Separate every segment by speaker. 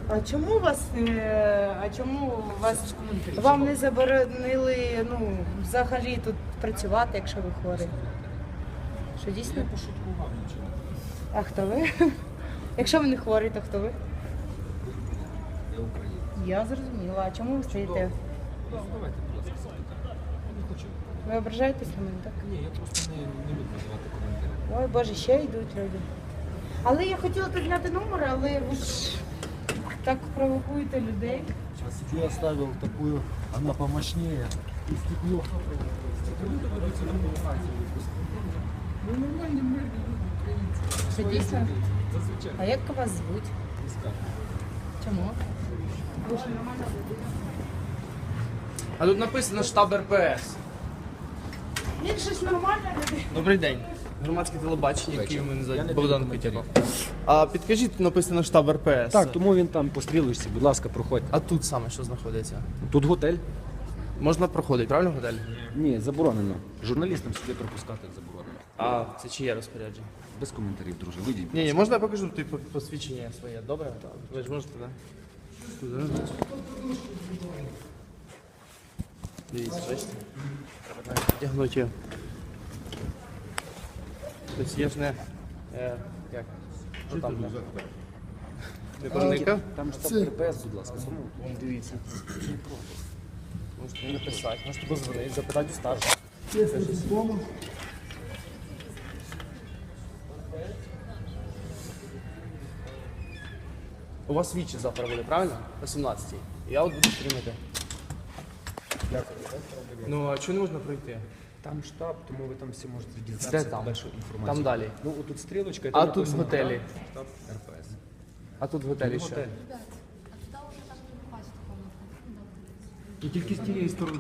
Speaker 1: А чому вам не заборонили, ну, взагалі тут працювати, якщо ви хворий? Що дійсно?
Speaker 2: Я пошуткував нічого.
Speaker 1: А хто ви? Якщо ви не хворий, то хто ви?
Speaker 2: Я українець.
Speaker 1: Я зрозуміла. А чому ви стоїте?
Speaker 2: Ну, давайте, будь ласка, запитання. Я не хочу.
Speaker 1: Ви ображаєтесь на мене, так?
Speaker 2: Ні, я просто не люблю давати коментарі.
Speaker 1: Ой, Боже, ще йдуть люди. Але я хотіла тут зняти номер, але ви ж так провокуєте людей.
Speaker 3: Сейчас я оставил такую, она помощнее. И стекло.
Speaker 2: Люди ведуться на провокації. Ну, нормальні мирні люди, українці.
Speaker 1: Це дійсно?
Speaker 2: Зазвичай.
Speaker 1: А як вас звуть?
Speaker 2: Не скажу.
Speaker 1: Чому? Ви ж нормально людина.
Speaker 4: А тут написано штаб РПС.
Speaker 1: Він щось нормальне людина.
Speaker 4: Добрий день. Громадське телебачення, яке мене
Speaker 2: Я
Speaker 4: звати
Speaker 2: не
Speaker 4: Богдан
Speaker 2: даю
Speaker 4: Петяков. А підкажіть, написано штаб РПС.
Speaker 3: Так, тому він там по стрілочці, будь ласка, проходьте.
Speaker 4: А тут саме що знаходиться?
Speaker 3: Тут готель?
Speaker 4: Можна проходити, правильно готель?
Speaker 3: Ні, заборонено. Журналістам сюди пропускати заборонено.
Speaker 4: А, це чиє розпорядження?
Speaker 3: Без коментарів, друже. Вийдіть.
Speaker 4: Ні, можна я покажу типу, посвідчення своє, добре? Ви ж можете, так? Дивіться, бачите? Треба вдягнути його. Тобто я ж не... Як? Що там? Не проникав?
Speaker 3: Там штаб РПС, будь ласка.
Speaker 4: Дивіться. Можете написати, можете позвонити, запитати у старших. У вас вічі завтра буде, правильно? О 17-й. Я от буду стрімити. Ну, а чого не можна пройти?
Speaker 3: Там штаб, тому ви там всі можете
Speaker 4: Де
Speaker 3: дізнатися
Speaker 4: там?
Speaker 3: першу інформацію.
Speaker 4: Там далі.
Speaker 3: Ну, отут стрілочка. і
Speaker 4: А
Speaker 3: там
Speaker 4: тут в
Speaker 3: написано
Speaker 4: готелі?
Speaker 3: Штаб РПС.
Speaker 4: А тут в готелі що?
Speaker 3: Готель.
Speaker 5: Ребят, а туда уже так не попасть в комнату.
Speaker 3: І тільки з тієї сторони.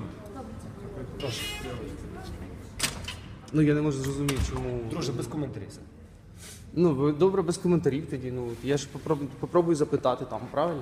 Speaker 4: Ну я не можу зрозуміти, чому.
Speaker 3: Друже, без коментарів все.
Speaker 4: Ну, ви добре без коментарів тоді. Ну, я ж попробую запитати там, правильно?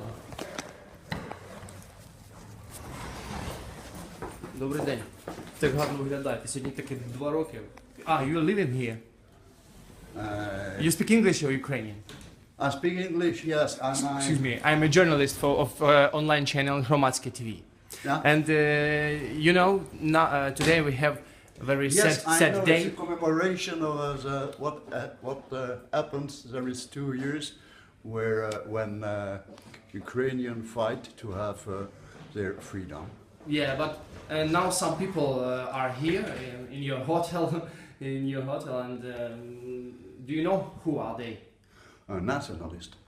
Speaker 4: Добрий день. Так гарно виглядаєте. Сьогодні таки 2 роки. You're living here. You speak English or Ukrainian?
Speaker 6: I speak English, yes, and
Speaker 4: Excuse me. I'm a journalist of online channel Hromadske TV.
Speaker 6: Yeah.
Speaker 4: And you know, today we have a very
Speaker 6: yes, I
Speaker 4: sad
Speaker 6: know
Speaker 4: day.
Speaker 6: it's a commemoration of what happened. There is 2 years where when Ukrainian fight to have their freedom.
Speaker 4: Yeah, but now some people are here in your hotel, and do you know who are they?
Speaker 6: A nationalist.